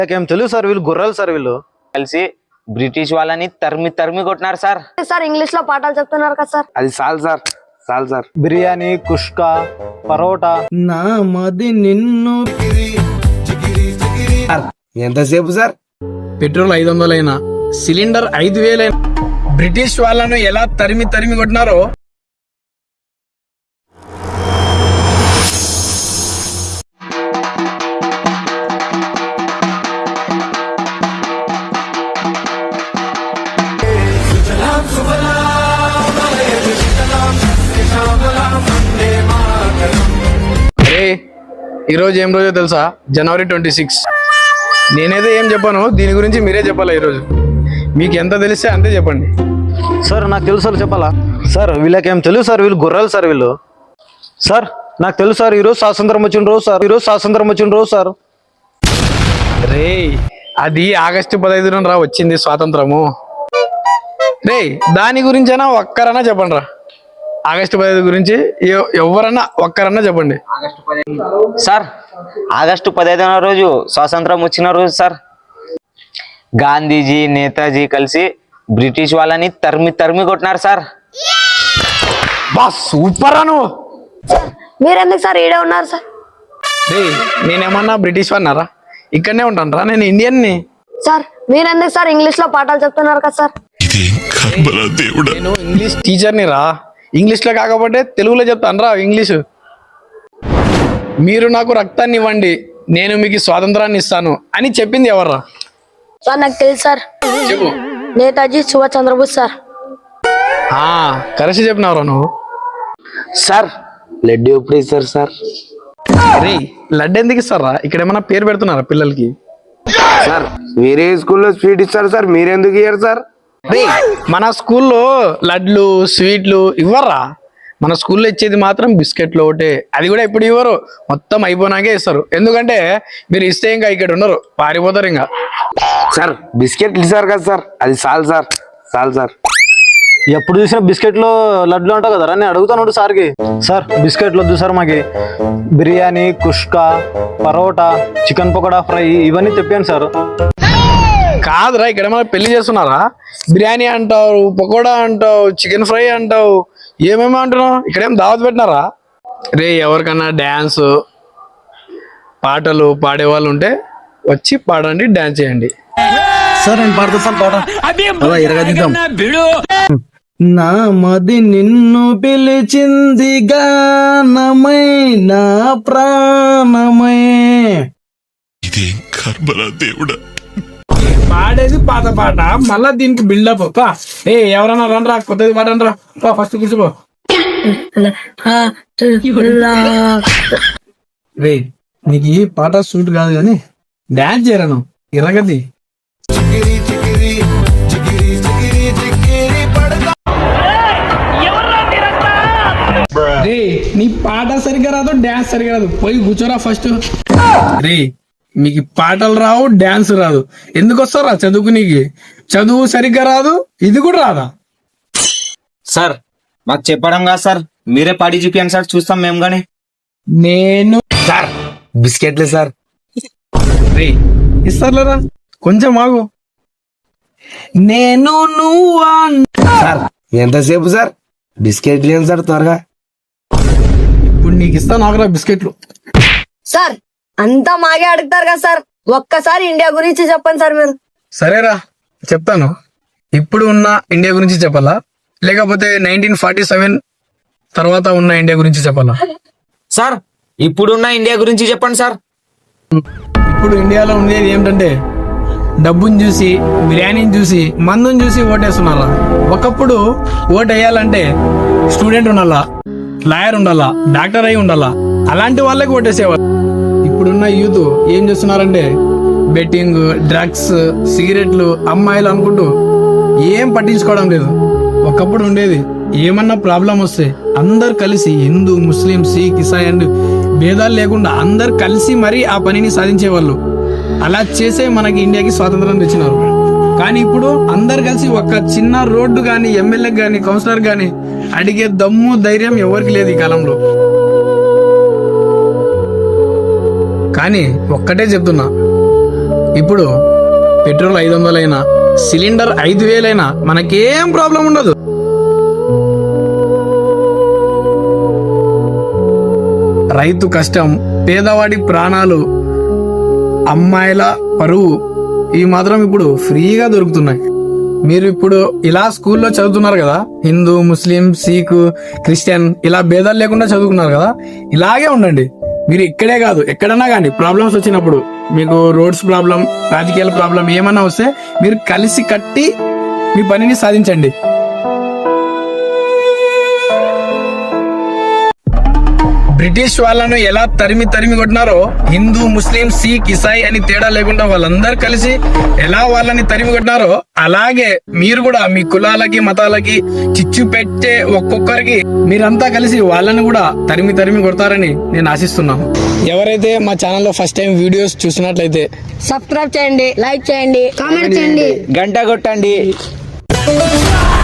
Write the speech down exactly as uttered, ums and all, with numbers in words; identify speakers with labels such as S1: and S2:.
S1: ఏం తెలుసు సార్, వీళ్ళు గుర్రాలు సార్. వీళ్ళు
S2: కలిసి బ్రిటిష్ వాళ్ళని తరిమి తరిమి కొట్టినారు సార్.
S3: సార్ ఇంగ్లీష్ లో పాఠాలు చెప్తున్నారు కదా సార్.
S4: అది చాలు సార్, చాలు సార్.
S1: బిర్యానీ, కుష్కా, పరోటా.
S5: నా మది నిన్ను
S4: ఎంతసేపు సార్?
S5: పెట్రోల్ ఐదు వందలైనా సిలిండర్ ఐదు వేలైనా బ్రిటిష్ వాళ్ళను ఎలా తరిమి తరిమి కొట్టినారో అరే ఈరోజు ఏం రోజో తెలుసా? జనవరి ట్వంటీ సిక్స్. నేనైతే ఏం చెప్పాను, దీని గురించి మీరే చెప్పాలా. ఈరోజు మీకు ఎంత తెలిస్తే అంతే చెప్పండి.
S1: సార్ నాకు తెలుసు సార్, చెప్పాలా సార్? వీళ్ళకేం తెలుసు సార్, వీళ్ళు గుర్రాలు సార్. వీళ్ళు సార్ నాకు తెలుసు సార్, ఈరోజు స్వాతంత్రం వచ్చిన రోజు సార్. ఈరోజు స్వాతంత్రం వచ్చిన రోజు సార్.
S5: రే అది ఆగస్టు పదహైదున రా వచ్చింది స్వాతంత్రము. రే దాని గురించైనా ఒక్కరన్నా చెప్పండి రా. ఆగస్టు పదహైదు గురించి ఎవరన్నా ఒక్కరన్నా చెప్పండి
S2: సార్. ఆగస్టు పదిహేదవ రోజు స్వాతంత్రం వచ్చిన రోజు సార్. గాంధీజీ, నేతాజీ కలిసి బ్రిటిష్ వాళ్ళని తరిమి తరిమి కొట్టినారు సార్.
S5: బా సూపర్ అను.
S3: మీరెందుకు సార్ ఈడే ఉన్నారు సార్?
S5: రే నేనేమన్నా బ్రిటిష్ అన్నారా? ఇక్కడనే ఉంటాను రా, నేను ఇండియన్ని.
S3: సార్ మీరెందుకు సార్ ఇంగ్లీష్ లో పాఠాలు చెప్తున్నారు కదా సార్?
S5: నేను ఇంగ్లీష్ టీచర్ని రా. ఇంగ్లీష్ లో కాకపోతే తెలుగులో చెప్తాను రా ఇంగ్లీషు. మీరు నాకు రక్తాన్ని ఇవ్వండి, నేను మీకు స్వాతంత్రాన్ని ఇస్తాను అని చెప్పింది ఎవర్రా?
S3: సార్ నాకు తెలుసు సార్,
S5: చెప్పు.
S3: నేతాజీ సుభాష్ చంద్రబోస్ సార్.
S5: ఆ కరెక్ట్ చెప్పినావురా నువ్వు.
S4: సార్ లడ్డు ఎప్పుడు ఇస్తారు సార్?
S5: రే లడ్డు ఎందుకు ఇస్తారా? ఇక్కడ ఏమన్నా పేరు పెడుతున్నారా పిల్లలకి?
S4: సార్ వేరే స్కూల్లో స్వీట్ ఇస్తారు సార్, మీరెందుకు ఇయ్యారు సార్?
S5: రే మన స్కూల్లో లడ్లు స్వీట్లు ఇవ్వరా. మన స్కూల్లో ఇచ్చేది మాత్రం బిస్కెట్లు ఒకటే, అది కూడా ఇప్పుడు ఇవ్వరు, మొత్తం అయిపోయినాకే ఇస్తారు. ఎందుకంటే మీరు ఇస్తే ఇంకా ఇక్కడ ఉండరు, పారిపోతారు ఇంకా.
S4: సార్ బిస్కెట్లు ఇస్తారు కదా సార్, అది చాలు సార్, చాలు సార్.
S1: ఎప్పుడు చూసినా బిస్కెట్లు లడ్లు అంటావు కదరా, నేను అడుగుతాను సార్కి. సార్ బిస్కెట్లు వద్దు సార్, మాకి బిర్యానీ, కుష్కా, పరోటా, చికెన్ పకోడా ఫ్రై ఇవన్నీ తెప్పాను సార్.
S5: కాదురా, ఇక్కడ ఏమైనా పెళ్లి చేస్తున్నారా? బిర్యానీ అంటావు, పకోడా అంటావు, చికెన్ ఫ్రై అంటావు, ఏమేమో అంటున్నావు. ఇక్కడేం దావత్ పెట్టినారా? రే ఎవరికన్నా డ్యాన్స్ పాటలు పాడేవాళ్ళు ఉంటే వచ్చి పాడండి, డ్యాన్స్ చేయండి.
S1: సార్ నేను పాడుతాను పాట ఎరగదిద్దాం.
S5: నా మది నిన్ను పిలిచింది గానమై నా ప్రాణమై. పాడేది పాత పాట, మళ్ళా దీనికి బిల్డప్. ఏ ఎవరన్నా రండ్రా, కొత్తది పాడండ్రా, ఫస్ట్ కూర్చోపో. రే నీకు ఈ పాట సూట్ కాదు కానీ డాన్స్ చేయరాను ఇరగది. రే నీ పాట సరిగ్గా రాదు, డాన్స్ సరిగ్గా రాదు, పోయి కూర్చోరా ఫస్ట్. రే మీకు పాటలు రావు, డాన్స్ రాదు, ఎందుకు వస్తారా చదువుకు? నీకు చదువు సరిగ్గా రాదు, ఇది కూడా రాదా?
S2: సార్ మాకు చెప్పడం కాదు సార్, మీరే పాడి చూపించండి సార్, చూస్తాం మేము గానీ.
S5: నేను
S4: సార్ బిస్కెట్లే సార్.
S5: రే ఇస్తారులేరా, కొంచెం ఆగు. నేను నువ్వా
S4: సార్ ఎంతసేపు సార్? బిస్కెట్లు ఏం సార్ త్వరగా?
S5: ఇప్పుడు నీకు ఇస్తాను, ఆగరా బిస్కెట్లు.
S3: సార్ అంతా మాగే అడుగుతారు కదా సార్, ఒక్కసారి ఇండియా గురించి చెప్పండి సార్ మీరు.
S5: సరేరా చెప్తాను. ఇప్పుడు ఉన్న ఇండియా గురించి చెప్పాలా, లేకపోతే నైన్టీన్ ఫార్టీ సెవెన్ తర్వాత ఉన్న ఇండియా గురించి చెప్పాలా?
S2: సార్ ఇప్పుడున్న ఇండియా గురించి చెప్పండి సార్.
S5: ఇప్పుడు ఇండియాలో ఉండేది ఏమిటంటే డబ్బుని చూసి, బిర్యానీని చూసి, మందుని చూసి ఓటేస్తున్నారా. ఒకప్పుడు ఓటు వేయాలంటే స్టూడెంట్ ఉండాలా, లాయర్ ఉండాలా, డాక్టర్ అయి ఉండాలా, అలాంటి వాళ్ళకి ఓటేసేవాళ్ళు. ఇప్పుడున్న యూత్ ఏం చేస్తున్నారంటే బెట్టింగ్, డ్రగ్స్, సిగరెట్లు, అమ్మాయిలు అనుకుంటూ ఏం పట్టించుకోవడం లేదు. ఒకప్పుడు ఉండేది ఏమన్నా ప్రాబ్లం వస్తే అందరు కలిసి, హిందూ, ముస్లిం, సిక్, ఇసాయి అండ్ భేదాలు లేకుండా అందరు కలిసి మరీ ఆ పనిని సాధించేవాళ్ళు. అలా చేసే మనకి ఇండియాకి స్వాతంత్రం తెచ్చినారు. కానీ ఇప్పుడు అందరు కలిసి ఒక చిన్న రోడ్డు కానీ, ఎమ్మెల్యే కానీ, కౌన్సిలర్ కానీ అడిగే దమ్ము, ధైర్యం ఎవరికి లేదు ఈ కాలంలో. కానీ ఒక్కటే చెప్తున్నా, ఇప్పుడు పెట్రోల్ ఐదు వందలైనా సిలిండర్ ఐదు వేలైనా మనకేం ప్రాబ్లం ఉండదు. రైతు కష్టం, పేదవాడి ప్రాణాలు, అమ్మాయిల పరువు ఇవి మాత్రం ఇప్పుడు ఫ్రీగా దొరుకుతున్నాయి. మీరు ఇప్పుడు ఇలా స్కూల్లో చదువుతున్నారు కదా, హిందూ, ముస్లిం, సిక్, క్రిస్టియన్ ఇలా భేదాలు లేకుండా చదువుకున్నారు కదా, ఇలాగే ఉండండి. మీరు ఇక్కడే కాదు ఎక్కడన్నా కానీ ప్రాబ్లమ్స్ వచ్చినప్పుడు, మీకు రోడ్స్ ప్రాబ్లం, రాజకీయాల ప్రాబ్లం ఏమన్నా వస్తే మీరు కలిసి కట్టి మీ పనిని సాధించండి. బ్రిటిష్ వాళ్ళను ఎలా తరిమి తరిమి కొట్టినారో, హిందూ, ముస్లిం, సిక్, ఇసాయి అని తేడా లేకుండా వాళ్ళందరూ కలిసి ఎలా వాళ్ళని తరిమి కొట్టినారో, అలాగే మీరు కూడా మీ కులాలకి మతాలకి చిచ్చు పెట్టే ఒక్కొక్కరికి మీరంతా కలిసి వాళ్ళని కూడా తరిమి తరిమి కొడతారని నేను ఆశిస్తున్నాను. ఎవరైతే మా ఛానల్లో ఫస్ట్ టైం వీడియోస్ చూసినట్లయితే
S3: సబ్స్క్రైబ్ చేయండి, లైక్ చేయండి, కామెంట్ చేయండి.
S2: గంట కొట్టండి.